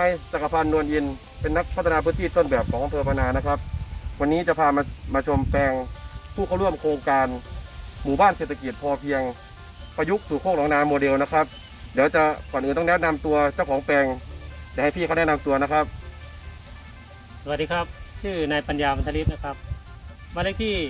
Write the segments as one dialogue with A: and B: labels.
A: จักรพันธ์นวลอินเป็นนักพัฒนาพื้นที่ต้นแบบของอำเภอพะนานะครับวันนี้จะพามาชมแปลงผู้เข้าร่วมโครงการหมู่บ้านเศรษฐกิจพอเพียงประยุกต์สู่โคกหนองนาโมเดลนะครับเดี๋ยวจะก่อนอื่นต้องแนะนำตัวเจ้าของแปลงจะให้พี่เขาแนะนำตัวนะครับ
B: สวัสดีครับชื่อนายปัญญาบรรทลิศนะครับบ้านเลขที่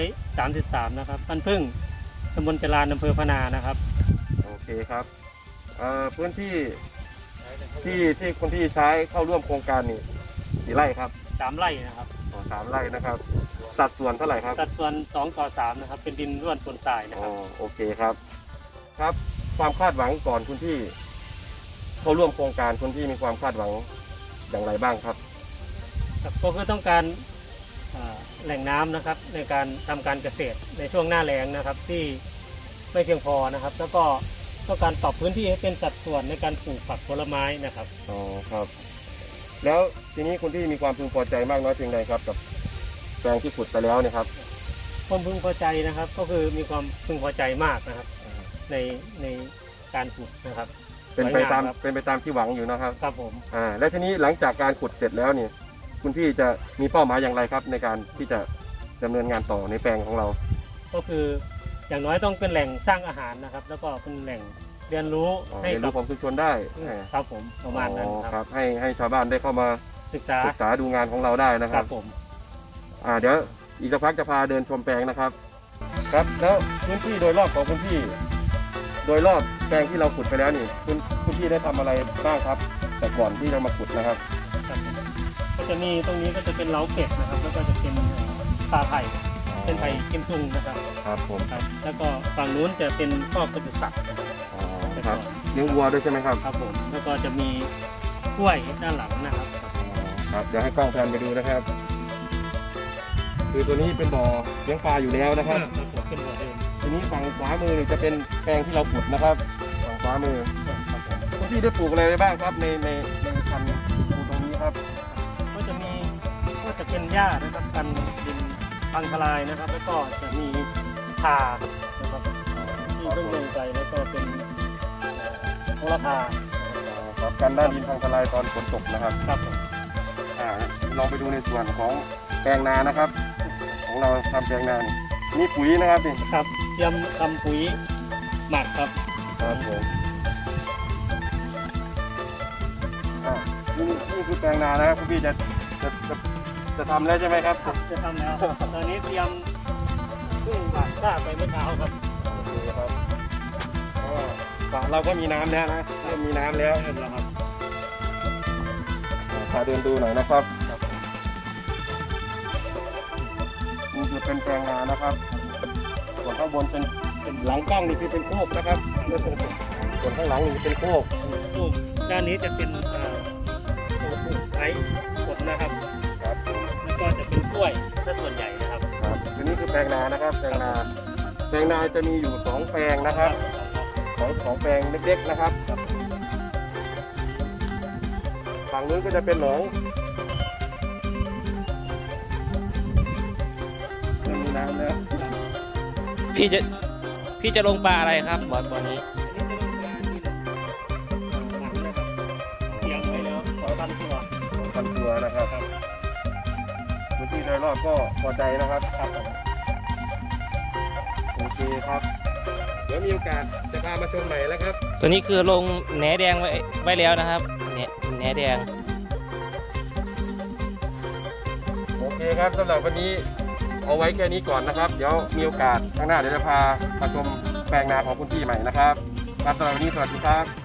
B: 133นะครับบ้านพึ่งตำบลจรานอำเภอพะนานะครับ
A: โอเคครับพื้นที่ที่คนที่ใช้เข้าร่วมโครงการนี่กี่ไร่ครับ
B: 3 ไร่นะครับ
A: 3 ไร่นะครับสัดส่วนเท่าไหร่ครับ
B: สัดส่วน2:3นะครับเป็นดินร่วนปนทรายนะครับ
A: โอเคครับครับความคาดหวังก่อนคุณที่เข้าร่วมโครงการคุณที่มีความคาดหวังอย่างไรบ้างครับ
B: ก็คือต้องการแหล่งน้ำนะครับในการทำการเกษตรในช่วงหน้าแล้งนะครับที่ไม่เพียงพอนะครับแล้วก็ต้องการปรับพื้นที่ให้เป็นสัดส่วนในการปลูกผักผลไม้นะครับ
A: อ๋อครับแล้วทีนี้คุณที่มีความพึงพอใจมากน้อยเพียงใดครับกับแปลงที่ขุดไปแล้วเนี่ยครับ
B: ความพึงพอใจนะครับก็คือมีความพึงพอใจมากนะครับในการขุดนะครับ
A: เป็นไปตามที่หวังอยู่นะครับ
B: ครับผม
A: และทีนี้หลังจากการขุดเสร็จแล้วเนี่ยคุณพี่จะมีเป้าหมายอย่างไรครับในการที่จะดำเนินงานต่อในแปลงของเรา
B: ก็คืออย่างน้อยต้องเป็นแหล่งสร้างอาหารนะครับแล้วก็เป็นแหล่งเรียนรู้ให้กับ
A: ของชุมชนได้
B: ครับผมประมาณนั้น
A: ครับให้ชาวบ้านได้เข้ามา
B: ศึกษา
A: ดูงานของเราได้นะครับ
B: ผม
A: เดี๋ยวอีกสักพักจะพาเดินชมแปลงนะครับครับแล้วพื้นที่โดยรอบของคุณพี่โดยรอบแปลงที่เราขุดไปแล้วนี่คุณพี่ได้ทำอะไรบ้างครับแต่ก่อนที่จะมาขุดนะครับ
B: ก็จะมีตรงนี้ก็จะเป็นเล้าเป็ดนะครับแล้วก็จะเป็นปลาไผ่เป็นไผ่กิมซุงนะครับ
A: ครับผม
B: ครับแล้วก็ฝั่งนู้นจะเป็นคอกปศุสัตว์
A: ครับเลี้ยงวัวด้วยใช่ไหมครับ
B: ครับผมแล้วก็จะมีกล้วยด้านหลังนะครับ
A: ครับเดี๋ยวให้กล้องแพนไปดูนะครับคือตัวนี้เป็นบ่อเลี้ยงปลาอยู่แล้วนะครับ
B: เป็นบ่อเดิม
A: ทีนี้ฝั่งขวามือจะเป็นแปลงที่เราขุดนะครับฝั่งขวามือคุณพี่ได้ปลูกอะไรบ้างครับในพันธุ์ตรงนี้ครับ
B: ก็จะเป็นหญ้านะครับกันดินพังทลายนะครับแล้วก็จะมีข่านะครับที่เพิ่งลงใจแล้วก็เป็นโหระพา
A: ครับกันด้านดินพังทลายตอนฝนตกนะครับ
B: ครับ
A: ลองไปดูในส่วนของแปลงนานะครับของเราทำแปลงนานี่ปุ๋ยนะครับนี่
B: ครับเตรียมทำปุ๋ยหมักครับ
A: ครับผมนี่คือแปลงนานะครับคุณพี่จะทำแล้วใช่ไหมครับ
B: จะทำแล้วตอนนี้เตรียมพึ่งหมักกล้าไปเมื่อเช้าครับ
A: โอเคครับเราก็มีน้ำแล้วนะเริ่มมีน้ำแล้ว
B: ครับ
A: พาเดินดูหน่อยนะครับนี่คือเป็นแปลงนานะครับส่วนข้างบนเป็นหลังกล้องนี่คือเป็นโคกนะครับส่วนข้างหลังนี่เป็นโคก
B: ด้านนี้จะเป็นไม้ผลนะครับแล้วก็จะเป็นกล้วยซะส่วนใหญ่นะครับ
A: ทีนี้คือแปลงนานะครับแปลงนาจะมีอยู่2แปลงนะครับของแปลงเล็กๆนะครับฝั่งนู้นก็จะเป็นหนองมีน้ำแล้ว
B: พี่จะลงปลาอะไรครับบ่อนี้เตรียมไว้แล้ว
A: 2,000 ตัวนะครับพื้นที่โดยรอบก็พอใจนะครับโอเคครับเดี๋ยวมีโอกาสจะพามาชมใหม่แล้วครับ
B: ตัวนี้คือลงแหนแดงไว้แล้วนะครับแหนแดง
A: โอเคครับสำหรับวันนี้เอาไว้แค่นี้ก่อนนะครับเดี๋ยวมีโอกาสข้างหน้าเดี๋ยวจะพามาชมแปลงนาของคุณพี่ใหม่นะครับสำหรับวันนี้สวัสดีครับ